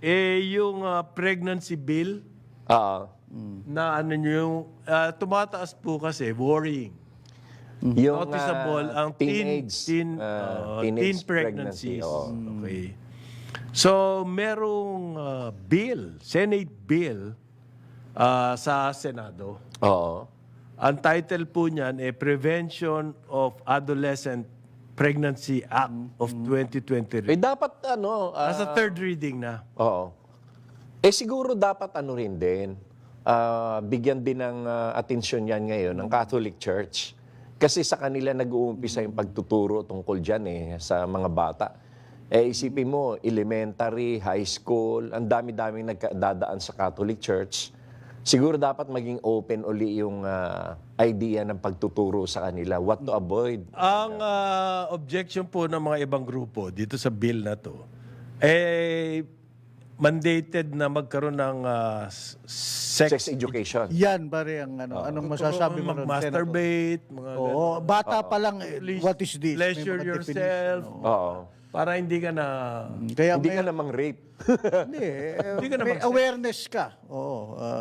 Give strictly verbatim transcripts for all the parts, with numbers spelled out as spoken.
eh yung ah, pregnancy bill Oo. na ano nyo yung ah, tumataas po kasi worrying. Yung Noticeable ah, ang teen teenage, teen, ah, uh, teenage teen pregnancies. oo. Okay. So merong ah, bill, Senate bill ah, sa Senado. Oo. Ang title po niyan ay Prevention of Adolescent Pregnancy Act of twenty Eh twenty-three. dapat ano, ah, Nasa third reading na. oo. Eh siguro dapat ano rin din, ah, bigyan din ng ah, atensyon yan ngayon ng Catholic Church. Kasi sa kanila nag-uumpisa yung pagtuturo tungkol dyan eh, sa mga bata. Eh isipin mo, elementary, high school, ang dami-daming nagdadaan sa Catholic Church. Siguro dapat maging open uli yung ah, idea ng pagtuturo sa kanila, what to avoid. Ang ah, objection po ng mga ibang grupo dito sa bill na to, eh, mandated na magkaroon ng ah, s- sex, Sex education. Yan, pare, ang ano, anong masasabi mo ron, Senator? mag-masturbate, mga Oo, bata pa lang, eh, Please what is this? May pleasure mga definition, yourself. oo. Oo. Para hindi ka na... Kaya Hindi may, ka namang rape. hindi, eh, Hindi ka na may mag-sex. awareness ka. Oo. ah,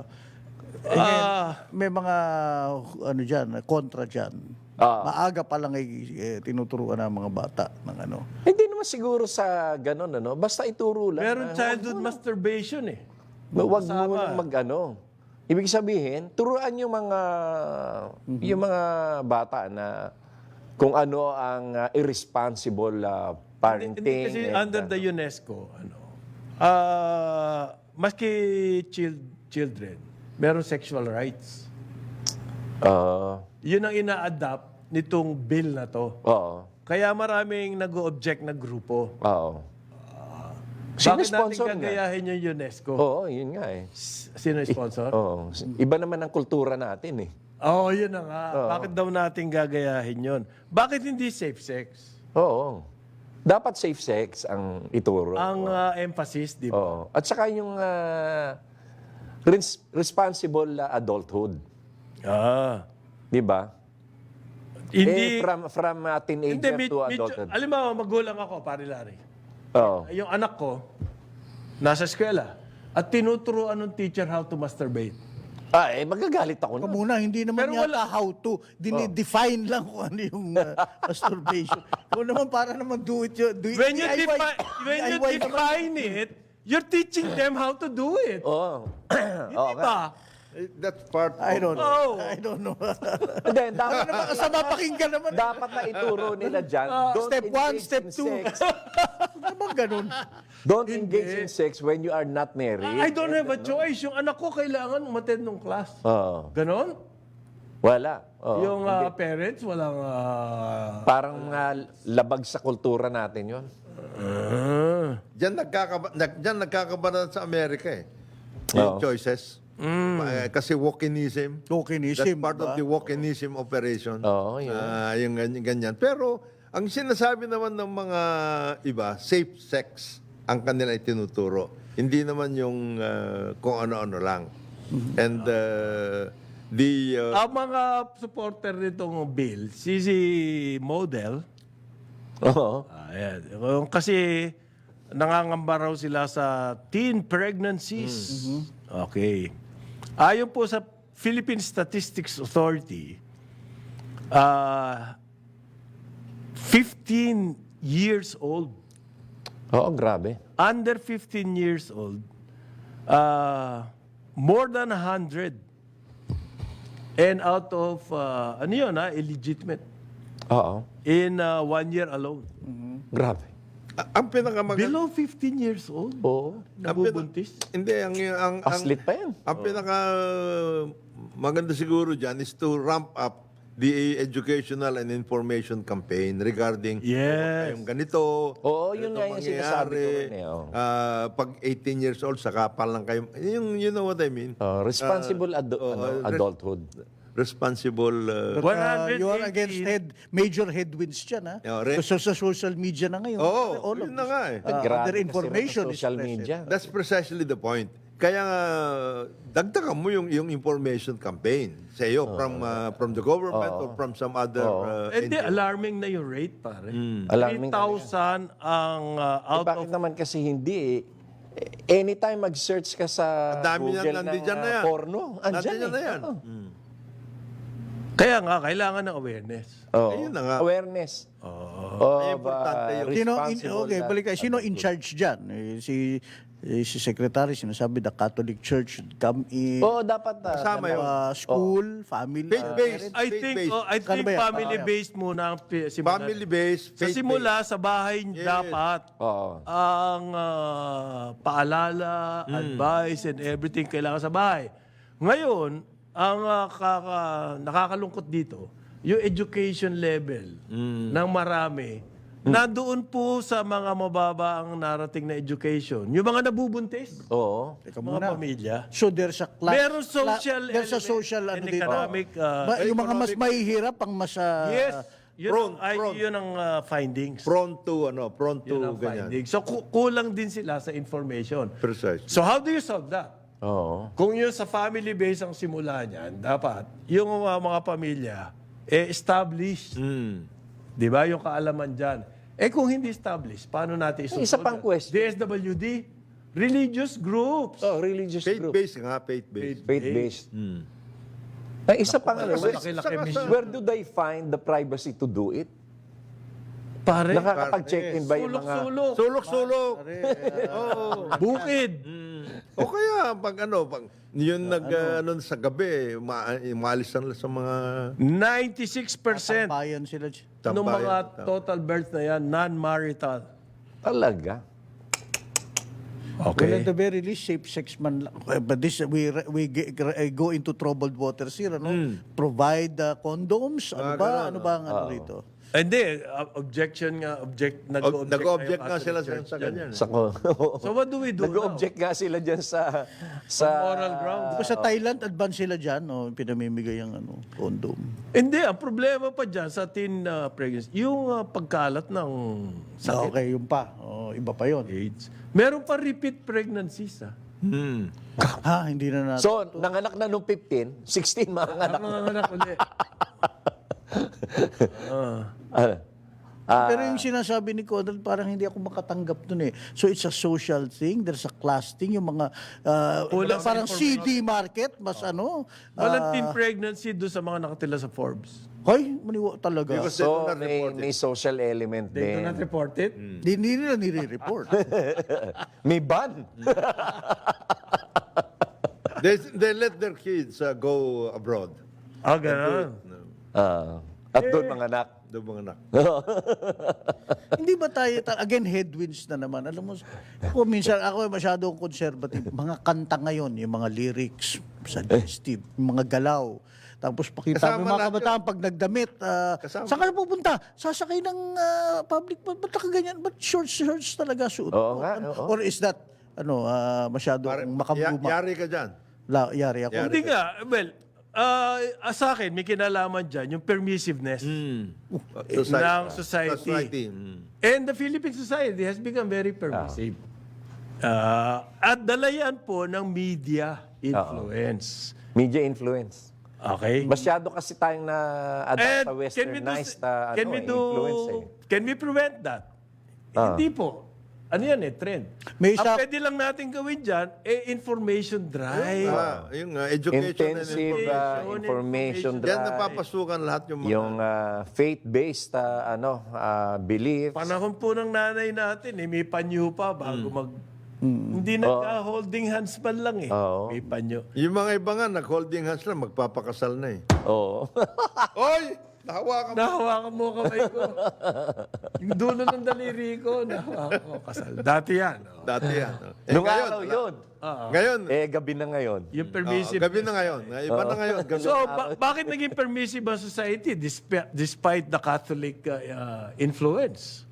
Ah, may mga, ano dyan, kontra dyan. Ah. Maaga pa lang ay eh, tinuturuan ng mga bata ng ano. Hindi naman siguro sa ganun, ano? Basta ituro lang. meron na, childhood masturbation eh. Huwag mo Kasama. nang mag-ano. Ibig sabihin, turuan yung mga yung mga bata na kung ano ang uh, irresponsible uh, parenting. Hindi kasi and, under the UNESCO, ano, ah, maski chil- children, meron sexual rights. uh, Yun ang ina-adapt nitong bill na to. oo. Kaya maraming nag-o-object na grupo. Oo. Bakit natin Sino-sponsor nga? gagayahin yung UNESCO? Oo, yun nga eh. S- Sino yung sponsor? Oo. Iba naman ang kultura natin eh. Oo, oh, yun na nga. Bakit daw natin gagayahin yun? Bakit hindi safe sex? Oo. Dapat safe sex ang ituro. Ang ah, emphasis, di ba? Oo. At saka yung uh, res- responsible uh, adulthood. Ah. Di ba? Hindi, eh, from from uh, hindi, teenager med- to medyo, adulthood. alam mo, magulang ako, pare Larry. Oo. Yung anak ko, nasa eskwela, at tinuturuan ng teacher how to masturbate. Ah, eh, magagalit ako Ikaw na. muna, hindi naman Pero yata wala- how to. Dinidefine lang kung ano yung uh, masturbation. Kung naman para naman do it, do it When you, D I Y. defi- when you D I Y naman. define it, you're teaching them how to do it. Oo. Hindi ba? Eh, That's part I of... don't know. Oh. I don't know. Hindi, dapat, Sa mapakinggan naman. dapat na ituro nila dyan. don't step one, engage step in two. sex. Ano bang ganun? Don't engage in sex when you are not married. I don't have a choice. Yung anak ko kailangan umattend ng class. Oo. Ganon? Wala. Oo. Yung ah, parents, walang... ah, Parang uh, labag sa kultura natin yon. ah. Diyan, nagkakaba, nag, diyan nagkakabaran sa Amerika eh. Yung Oo. choices. Eh, kasi walkinism. Tokenism. That's part of the walkinism operation. Oo, yun. Ah, yung ganyan, ganyan. Pero, ang sinasabi naman ng mga iba, safe sex ang kanila itinuturo. Hindi naman yung ah, kung ano-ano lang. And uh, the... uh, Ang mga supporter nitong bill, si si Model, Oo. ayan, yung kasi nangangamba raw sila sa teen pregnancies. Okay. Ayon po sa Philippine Statistics Authority, ah fifteen years old, Oo, grabe. under fifteen years old, ah more than one hundred. And out of, ah, ano yun ha, illegitimate. Oo. In ah, one year alone. Grabe. ang pinakamaganda... Below fifteen years old, Oo. nabubuntis. Hindi, ang... ang, ang Aslit pa yan. Ang pinaka maganda siguro dyan is to ramp up the educational and information campaign regarding Yes. yung ganito. Oo, yun ganito nga yung sinasabi ko mangyayari. rin eh, oo. Ah, pag eighteen years old, saka pa lang kayo. Yung, you know what I mean? Oh, responsible adu- oo, ano, res- adulthood. Responsible. uh, But, uh, one hundred you are against eighteen. head, major headwinds dyan, ha? Yeah, re- Kasi sa social media na ngayon. Oo, all of yun na this, nga eh. uh, Grabe other kasi information sa is social present. media. That's precisely the point. Kaya nga, dagdagan mo yung, yung information campaign sa iyo from, uh, from the government or from some other uh, Hindi, N G O. alarming na yung rate, pare. Alarming three thousand ang uh, Eh, out bakit of... naman kasi hindi eh? anytime mag-search ka sa Ang dami Google yan, ng nandiyan na ah, yan. porno, andyan Nandiyan eh. na yan. Oo. Kaya nga, kailangan ng awareness. Oo. Ayun na nga. Awareness. Ay, Of, importante ah, yun. Sino in, responsible okay, na- balik kayo. Sino in charge dyan? Eh, si eh, si secretary sinasabi the Catholic Church should come in, Oo, dapat. ah, Kasama yun. uh, school, family. Faith-based. I think Faith-based. oh, I Ano think ba yan? family-based muna ang pi- simula. Family-based, Sa faith-based. simula, sa bahay dapat Oo. ang ah, paalala, advice, and everything kailangan sa bahay. Ngayon, ang ah, kaka- nakakalungkot dito, yung education level ng marami, nandoon po sa mga mababa ang narating na education. Yung mga nabubuntis, Oo. Teka mga muna. pamilya. So there's a class. Meron social cla- there's a element social and ano dito. economic, uh, Ba- yung mga mas mahihirap ang mas ah, Yes. Yun, prone, ang, ay, prone. yun ang ah, findings. Prone to, ano, prone to Yun ang ganyan. findings. So, ku- kulang din sila sa information. Precise. So, how do you solve that? Oo. Kung yun sa family base ang simula niyan, dapat yung mga, mga pamilya, eh, established. Mm. Di ba? Yung kaalaman dyan. Eh, kung hindi established, paano natin isolve? Isa pang question. D S W D, religious groups. Oh, religious group. Faith-based nga, faith-based. Faith-based. Ay, isa pang ano, where, Malaki-laki saka mission. where do they find the privacy to do it? Pare, Nakakapag-check-in ba yung mga... sulok-sulok, Sulok-sulok. Oo. bukid. O kaya, pag ano, pag yun nag, ano, sa gabi, ma umalis na sa mga ninety-six percent bayan sila. dyan. ng tambayan. mga total births na yan, non-marital. Talaga? Well, at the very least, safe sex man lang. Eh, But this, we, we ge- eh, go into troubled waters here, ano? Provide uh, condoms, ano Mga ba? ganun, Ano ba ang ano rito? Hindi, uh, objection nga, object, nag-object, Nag-object na nga yung sila Catholic sa, Church sa dyan. ganyan. Sa, So what do we do Nag-object nga sila dyan sa... sa Moral ground. Di ba sa Thailand, advance sila dyan, no? Pinamimigay ang ano, condom. Hindi, ang problema pa dyan sa teen uh, pregnancy, yung uh, pagkalat ng sakit, Okay, yung pa. Oh, iba pa yon. AIDS. Meron pa repeat pregnancies, ha? Hmm. Ha, hindi na natin. So, nanganak na nung fifteen, sixteen mga anak. Ang mga anak ulit. Ah, Pero yung sinasabi ni Conrad, parang hindi ako makatanggap dun eh. So it's a social thing, there's a class thing, yung mga uh, Kulang sa parang C D market, mas ano. Walang ah, teen pregnancy doon sa mga nakatila sa Forbes. Hoy, maniwa talaga. Because so, they do not may, report it. may social element They do din. not report it. Di, hindi nila nire-report. May ban. They, they let their kids uh, go abroad. Ah, ganun. Ah, at doon mga anak. Doon mga anak. Hindi ba tayo, ta- again, headwinds na naman. Alam mo, ako minsan, ako masyadong conservative. Mga kanta ngayon, yung mga lyrics, suggestive, yung mga galaw. Tapos pakita mo Kasama yung mga lahat kabataan pag nagdamit. ah, Kasama. saan ka na pupunta? Sasakay ng ah, public. Ba't ba't ka ganyan? Ba't shorts, shorts talaga suot mo? Oo nga, Ano- oo. Or is that, ano, ah, masyadong Pare- ya- makabuma? yari ka dyan. La, yari ako. Hindi nga, well, uh, sa akin, may kinalaman dyan, yung permissiveness ng society. Society. Mm. And the Philippine society has become very permissive. Uh, at dalayan po ng media influence. Media influence. Okay? Masyado kasi tayong na adapt And sa can we do, westernized uh, can ano, we eh, do, influence eh. can we prevent that? Hindi po. Ano yan eh, trend. May Ang isa- pwede lang natin gawin dyan, eh, information drive. Ah, yung uh, education Intensive and uh, information, information information. Diyan drive. napapasukan lahat yung mga... Yung uh, faith-based uh, ano uh, beliefs. Panahon po ng nanay natin, eh, may panyo pa bago mag... Hindi nagka-holding hands man lang eh. Oo. May panyo. Yung mga iba nga, nag-holding hands lang, magpapakasal na eh. Oo. Oy! Nahawakan mo. Nahawakan mo kamay ko. Yung dulo ng daliri ko, nahawakan ko. Kasal. Dati yan. oh. Dati yan. oh. Eh, Nung ngayon, araw wala. yun. Ngayon, Eh, gabi na ngayon. Yung oh, permissive. gabi na ngayon. Iba na ngayon. Gabi. So, ba- bakit naging permissive ang society disp- despite the Catholic uh, uh, influence?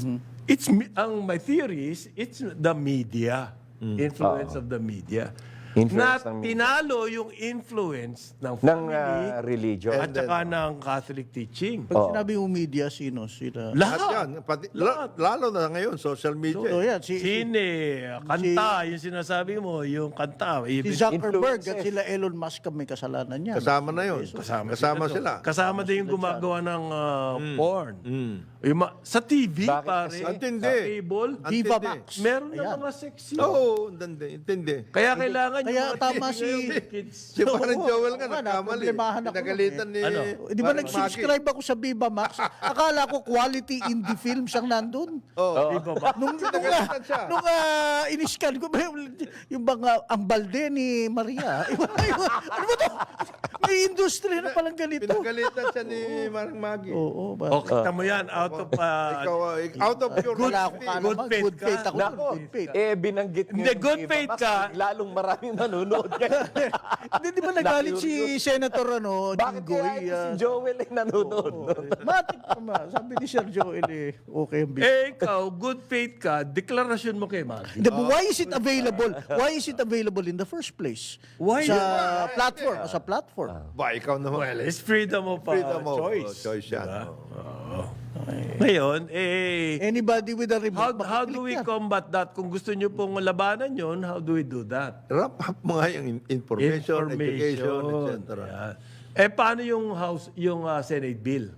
It's mi- ang my theory is it's the media influence of the media. Influence na ng- tinalo yung influence ng ng family ah, religion. at saka ng Catholic teaching. Pag sinabi yung media, sino? Sila. Lahat Lahat. yan. Pati, la- lalo na ngayon, social media. So, yan, si, si, Sine, kanta, yung sinasabi mo, yung kanta. si Even, Zuckerberg at influences. sila Elon Musk ang may kasalanan yan. Kasama na yun. kasama, Kasama sila. Kasama din yung gumagawa ng uh, porn. Mm. Yung ma- sa T V, Bakit pare. kasi? Ang tindi. Sa cable. Ang Diva tindi. Max. Meron na Ayan. mga sexy. Oo, hindi. Intindi. Kaya kailangan Kaya yung mga tama kids si- ngayon, kids. Si parang Oo, Joel oo nga, nga, nagkamali. naproblemahan ako Pinagalitan ni... Ano? Eh, Di ba Parang nag-subscribe ako sa Viva Max? Akala ko quality indie films ang nandun. Oo. Di ba ba? Nung, nung, Pinagalitan siya. nung uh, iniscan ko, ba, yung bang ah, ang balde ni Maria. Ano ba to? May industry na palang ganito. Pinagalitan siya ni Marang Maggie. Oo, ba? O, kita mo yan, out of... uh, Ikaw, ah, out of your Wala akong good kalaman. good faith Good faith ka. ako. Nako, Good faith. eh binanggit Hindi, yung good Viva faith Max, ka. Lalong maraming nanonood. Hindi, di ba nagalit si Senator ano, Bakit Jinggoy? kaya ito si ah, Joel ay nanonood? Matik naman. Sabi ni Sir Joel eh, okay ang business. eh, ikaw, good faith ka, deklarasyon mo kay Maggie. The, why is it available? Why is it available in the first place? Why? Sa platform, sa platform. Ba, ikaw naman. Well, it's freedom of uh, Freedom of choice. uh, choice yan. Oo. Ngayon, eh, Anybody with a how, remote, how do we makiklik yan. combat that? Kung gusto nyo pong labanan yon, how do we do that? Wrap up mo nga yung in- information, education, et cetera. Yeah. Eh, paano yung House, yung uh, Senate bill?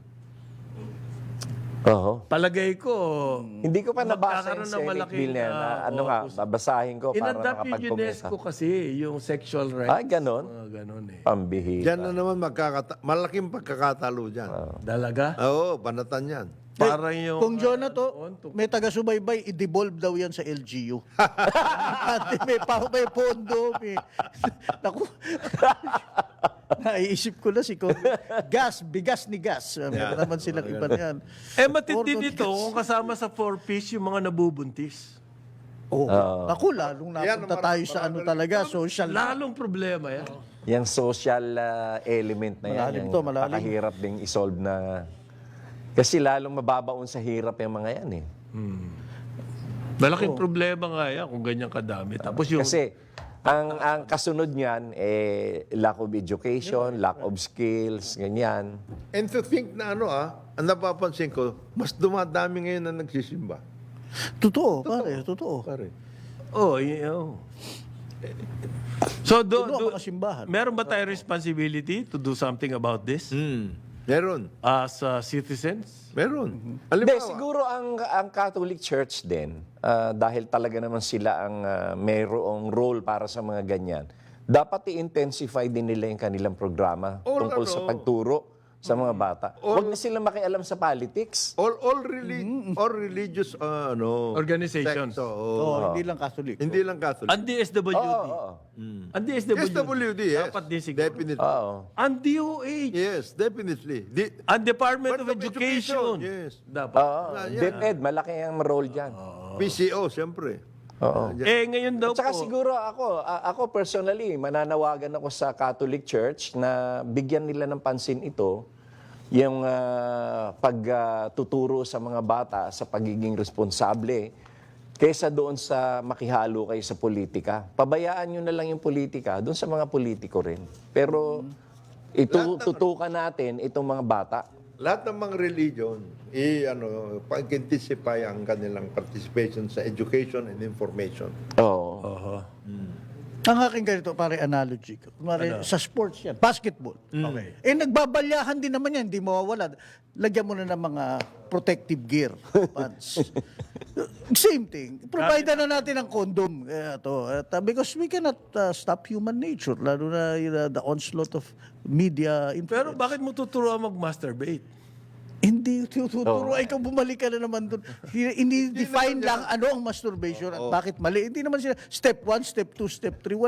Oo. Palagay ko, Hindi ko pa nabasa magkakaroon yung ng Senate malaking, bill na yan. ah, ano nga, opus- babasahin ko para inadapt yung makapag-komenta. UNESCO kasi, yung sexual rights. Ay, ganon? Mga ganon eh. Pambihira. Diyan na naman magkakata- malaking pagkakatalo dyan. Dalaga? Oo, banatan yan. Parang yung... Kung John na to, on to- may taga-subaybay, i-devolve daw yan sa L G U. Ate, may, pa, may pondo, may... Naku. Naiisip ko na si Kong. Gas, bigas ni gas. Meron naman silang iba na yan. Eh, matindi Ordo dito, gas. kung kasama sa four-piece yung mga nabubuntis. Oh, Naku, lalong Yan, napunta marami- tayo sa ano marami- talaga, social. Lalong problema yan. Yung social ah, element na yan, Malalim yung to, malalim. napakahirap ding isolve na... Kasi lalong mababaon sa hirap yung mga yan eh. Malaking problema nga yan kung ganyan kadami. Tapos yung... Kasi ang ang kasunod niyan eh lack of education, lack of skills, ganyan. And to think na ano ah, ang napapansin ko, mas dumadami ngayon na nagsisimba. Totoo, pare, totoo. Pare. Oh, yeah. oh. So, do, Puno do, ang kasimbahan. meron ba tayong responsibility to do something about this Hmm. Meron. as uh, citizens? Meron. Hindi, Halimbawa, siguro ang ang Catholic Church din, ah, dahil talaga naman sila ang ah, mayroong role para sa mga ganyan, dapat i-intensify din nila yung kanilang programa Or tungkol ano, sa pagturo sa mga bata. Huwag na sila makialam sa politics. all all reli- all religious uh, ano Organizations. sects, oo. Oo, hindi lang Catholic. Hindi lang Catholic. Ang D S W D. Oo, oo. Ang D S W D. S W D, yes. Dapat din siguro. Definitely. Oo. Ang D O H. Yes, definitely. Di, Ang Department of Department of Education. Education, yes. Dapat. Oo. DepEd, malaki ang role dyan. P C O, siyempre. Oo. Eh, ngayon daw At saka po. siguro ako, a- ako personally, mananawagan ako sa Catholic Church na bigyan nila ng pansin ito, yung ah, pagtuturo sa mga bata sa pagiging responsable kaysa doon sa makihalo kayo sa politika. Pabayaan nyo na lang yung politika doon sa mga politiko rin. Pero ito, tutukan natin itong mga bata. Lahat ng mga religion, i ano, pag-intensify ang kanilang participation sa education and information. Oo. Oho. Ang aking ganito, pare, analogy. Kumari, sa sports yan, basketball. Okay. Eh, nagbabalyahan din naman yan, hindi mawawala. Lagyan mo na ng mga protective gear, pants. Same thing. Provide na natin ng condom. Eh, to, At, uh, because we cannot uh, stop human nature, lalo na uh, the onslaught of media Pero influence. bakit mo tuturuan mag-masturbate? Hindi tuturo. Ay, ikaw bumalik ka na naman doon. Hindi define lang ano ang masturbation at bakit mali. Hindi naman sila step one, step two, step three.